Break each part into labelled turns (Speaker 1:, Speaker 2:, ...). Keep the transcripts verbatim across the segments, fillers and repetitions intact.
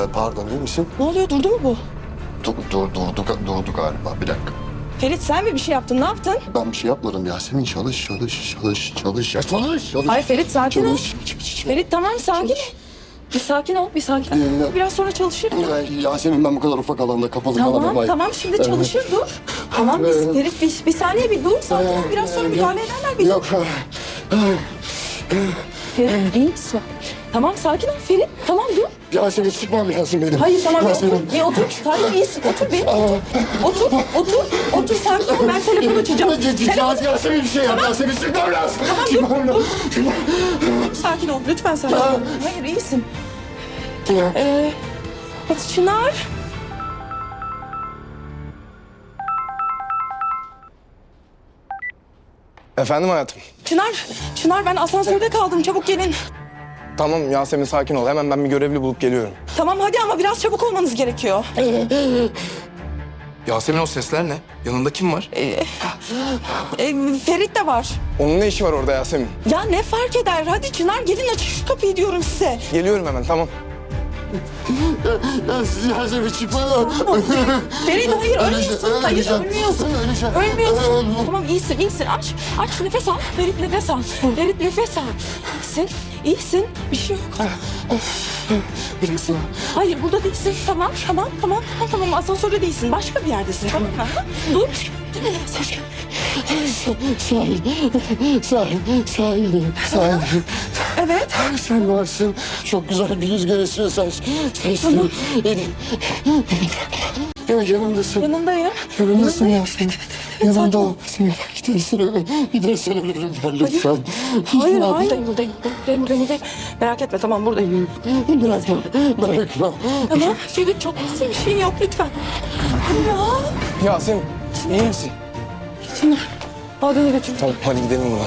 Speaker 1: pardon, iyi misin?
Speaker 2: Ne oluyor, durdu mu bu?
Speaker 1: Dur, dur, durdu, durdu galiba. Bir dakika.
Speaker 2: Ferit sen mi bir şey yaptın, ne yaptın?
Speaker 1: Ben bir şey yapmadım Yasemin. Çalış, çalış, çalış, çalış. Ya çalış, çalış.
Speaker 2: Hayır Ferit sakin ol.
Speaker 1: Çalış, çalış.
Speaker 2: Ferit tamam sakin ol. Bir sakin ol, bir sakin ol.
Speaker 1: Dinle.
Speaker 2: Biraz sonra çalışır.
Speaker 1: Ay, Yasemin, ben bu kadar ufak alanda kapalı
Speaker 2: Tamam,
Speaker 1: kalamam.
Speaker 2: tamam şimdi çalışır dur. Tamam biz,
Speaker 1: Evet.
Speaker 2: Ferit bir, bir saniye bir dur sakin ol. Biraz sonra müdahale ederler bir dur.
Speaker 1: Yok.
Speaker 2: Ferit iyi misin? Tamam sakin ol Ferit. Tamam dur.
Speaker 1: Yasemin, çıkmam lazım benim.
Speaker 2: Hayır tamam bir
Speaker 1: Yasemin.
Speaker 2: otur. Bir otur. Sakin iyisin. Otur bir. Otur. Otur. Otur. Otur sakin ol. Ben telefon açacağım. Telefon...
Speaker 1: Yasemin bir şey yap. Yasemin, çıkmam lazım.
Speaker 2: Tamam
Speaker 1: Çıkmam
Speaker 2: dur.
Speaker 1: lazım.
Speaker 2: dur. Sakin ol. Lütfen sakin ol. Hayır iyisin. Ee, hadi Çınar.
Speaker 3: Efendim hayatım.
Speaker 2: Çınar. Çınar ben asansörde kaldım. Çabuk gelin.
Speaker 3: Tamam Yasemin, sakin ol. Hemen ben bir görevli bulup geliyorum.
Speaker 2: Tamam hadi ama biraz çabuk olmanız gerekiyor.
Speaker 3: Yasemin, o sesler ne? Yanında kim var?
Speaker 2: Ee, Ferit de var.
Speaker 3: Onun ne işi var orada Yasemin?
Speaker 2: Ya ne fark eder? Hadi Çınar gelin aç şu kapıyı diyorum size.
Speaker 3: Geliyorum hemen, tamam.
Speaker 1: Yasemin, çıkmam lazım.
Speaker 2: Ferit hayır ölmüyorsun. Hayır
Speaker 1: Öleceğim.
Speaker 2: ölmüyorsun.
Speaker 1: Öleceğim.
Speaker 2: Ölmüyorsun. Tamam iyisin iyisin. Aç. Aç nefes al. Ferit nefes al. Ferit nefes al. İyisin. İyisin. Bir şey yok.
Speaker 1: Bıraksana.
Speaker 2: Hayır burada değilsin. Tamam tamam tamam. Tamam tamam asansörde değilsin. Başka bir yerdesin. Tamam mı? Dur.
Speaker 1: Sahil, sahil, sahildeyim, sahildeyim.
Speaker 2: Evet.
Speaker 1: Sen varsın. Çok güzel bir rüzgar esiyor sen. Seçtim. Beni. Yanımdasın.
Speaker 2: Yanındayım.
Speaker 1: Yanımdasın Yasemin. Yanımda ol. Seni gidersen ölürüm. Gidersen ölürüm ben lütfen.
Speaker 2: Hayır hayır. Buradayım buradayım. Buradayım buradayım. Merak etme tamam buradayım.
Speaker 1: Bırakma. Bırakma.
Speaker 2: Tamam. Ferit çok iyisin. Bir şeyin yok lütfen. Hadi ya.
Speaker 3: Yasemin, iyi misin?
Speaker 2: Çınar. Al beni götür.
Speaker 3: Tamam, hadi gidelim buradan.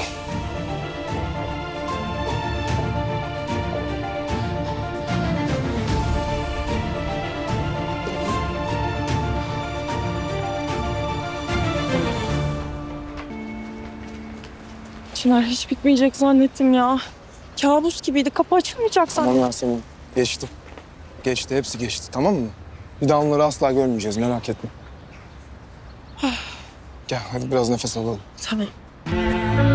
Speaker 2: Çınar hiç bitmeyecek zannettim ya. Kabus gibiydi. Kapı açılmayacak
Speaker 3: Tamam
Speaker 2: sandım.
Speaker 3: Yasemin, geçti. Geçti, hepsi geçti, tamam mı? Bir daha onları asla görmeyeceğiz, merak etme. Gel, hadi biraz nefes alalım.
Speaker 2: Tamam.